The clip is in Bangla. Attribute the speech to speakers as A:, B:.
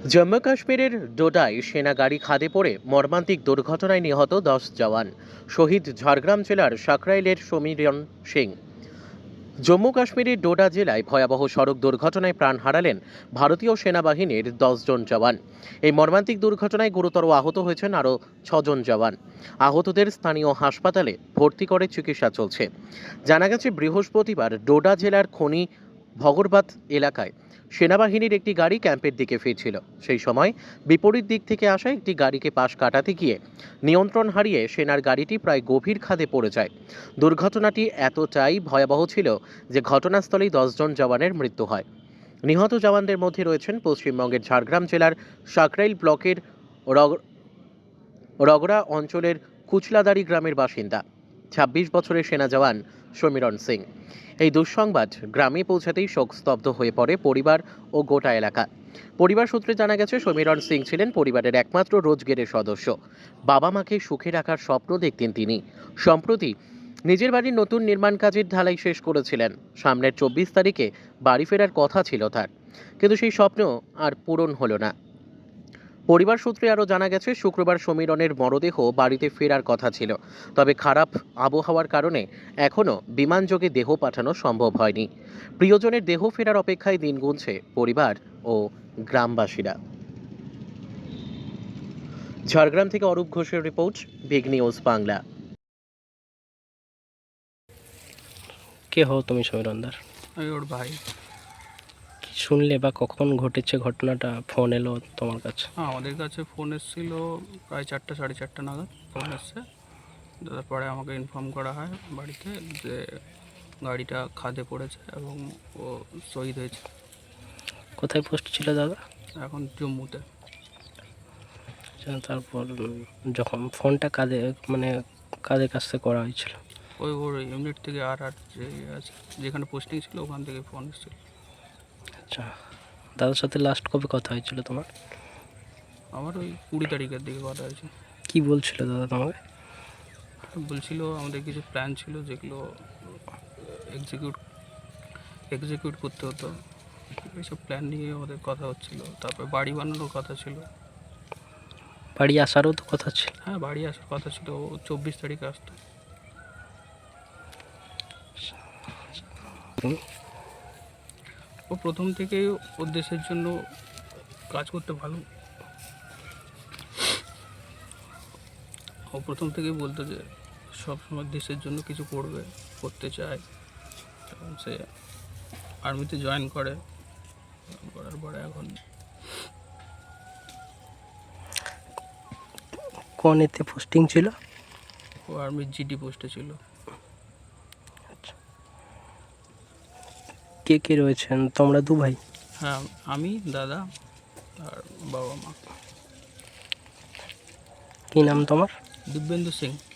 A: জম্মু কাশ্মীরের ডোডায় সেনা গাড়ি খাদে পড়ে মর্মান্তিক দুর্ঘটনায় নিহত 10 জওয়ান। শহীদ ঝাড়গ্রাম জেলার সাকরাইলের সমীরণ সিং। জম্মু কাশ্মীরের ডোডা জেলায় ভয়াবহ সড়ক দুর্ঘটনায় প্রাণ হারালেন ভারতীয় সেনাবাহিনীর 10 জন জওয়ান। এই মর্মান্তিক দুর্ঘটনায় গুরুতর আহত হয়েছেন আরও 6 জন জওয়ান। আহতদের স্থানীয় হাসপাতালে ভর্তি করে চিকিৎসা চলছে। জানা গেছে, বৃহস্পতিবার ডোডা জেলার খনি ভগরবাত এলাকায় সেনাবাহিনীর একটি গাড়ি ক্যাম্পের দিকে ফিরছিল। সেই সময় বিপরীত দিক থেকে আসা একটি গাড়িকে পাশ কাটাতে গিয়ে নিয়ন্ত্রণ হারিয়ে সেনার গাড়িটি প্রায় গভীর খাদে পড়ে যায়। দুর্ঘটনাটি এতটাই ভয়াবহ ছিল যে ঘটনাস্থলেই 10 জন জওয়ানের মৃত্যু হয়। নিহত জওয়ানদের মধ্যে রয়েছেন পশ্চিমবঙ্গের ঝাড়গ্রাম জেলার সাকরাইল ব্লকের রগড়া অঞ্চলের কুচলাদারি গ্রামের বাসিন্দা 26 বছরের সেনা জওয়ান সমীরণ সিং। এই দুঃসংবাদ গ্রামে পৌঁছাতেই শোকস্তব্ধ হয়ে পড়ে পরিবার ও গোটা এলাকা। পরিবার সূত্রে জানা গেছে, সমীরণ সিং ছিলেন পরিবারের একমাত্র রোজগেরের সদস্য। বাবা মাকে সুখে রাখার স্বপ্ন দেখতেন তিনি। সম্প্রতি নিজের বাড়ির নতুন নির্মাণ কাজের ঢালাই শেষ করেছিলেন। সামনের 24 তারিখে বাড়ি ফেরার কথা ছিল তার, কিন্তু সেই স্বপ্ন আর পূরণ হলো না। পরিবার সূত্রে আরও জানা গেছে, শুক্রবার সমীরণের মরদেহ বাড়িতে ফেরার কথা ছিল, তবে খারাপ আবহাওয়ার কারণে এখনও বিমানযোগে দেহ পাঠানো সম্ভব হয়নি। প্রিয়জনের দেহ ফেরার অপেক্ষায় দিন গুনছে পরিবার ও গ্রামবাসীরা। ঝাড়গ্রাম থেকে অরূপ ঘোষের রিপোর্ট, বিগ নিউজ বাংলা।
B: কে হও তুমি সমীরণদার?
C: আমি ওর ভাই।
B: কি শুনলে বা কখন ঘটেছে ঘটনাটা? ফোন এলো তোমার কাছে?
C: আমাদের কাছে ফোন এসেছিল প্রায় 4টা 4:30 নাগাদ ফোন এসছে। তারপরে আমাকে ইনফর্ম করা হয় বাড়িতে যে গাড়িটা খাদে পড়েছে এবং ও শহীদ হয়েছে।
B: কোথায় পোস্ট ছিল দাদা?
C: এখন জম্মুতে।
B: তারপর যখন ফোনটা কাদের কাছ থেকে করা হয়েছিল?
C: ওর ইউনিট থেকে আর যে আছে, যেখানে পোস্টিং ছিল ওখান থেকে ফোন এসেছিল।
B: আচ্ছা, দাদার সাথে লাস্ট কবে কথা হয়েছিল তোমার?
C: আমার ওই 20 তারিখের দিকে কথা হয়েছে।
B: কি বলছিল দাদা তোমাকে?
C: বলছিল আমাদের কিছু প্ল্যান ছিল যেগুলো এক্সিকিউট করতে হতো, এইসব প্ল্যান নিয়ে আমাদের কথা হচ্ছিল। তারপরে বাড়ি বানানোর কথা ছিল।
B: বাড়ি আসারও তো কথা ছিল।
C: হ্যাঁ, বাড়ি আসার কথা ছিল, ও 24 তারিখে আসতো। ও প্রথম থেকেই ওর দেশের জন্য কাজ করতে ভালো। ও প্রথম থেকেই বলতো যে সবসময় দেশের জন্য কিছু করতে চায়। এবং সে আর্মিতে জয়েন করার পরে এখন
B: কোন এতে পোস্টিং ছিল?
C: ও আর্মির জিডি পোস্টে ছিল।
B: কে কে রয়েছেন? তোমরা দু ভাই?
C: হ্যাঁ, আমি, দাদা আর বাবা মা।
B: কি নাম তোমার?
C: দিব্যেন্দু সিং।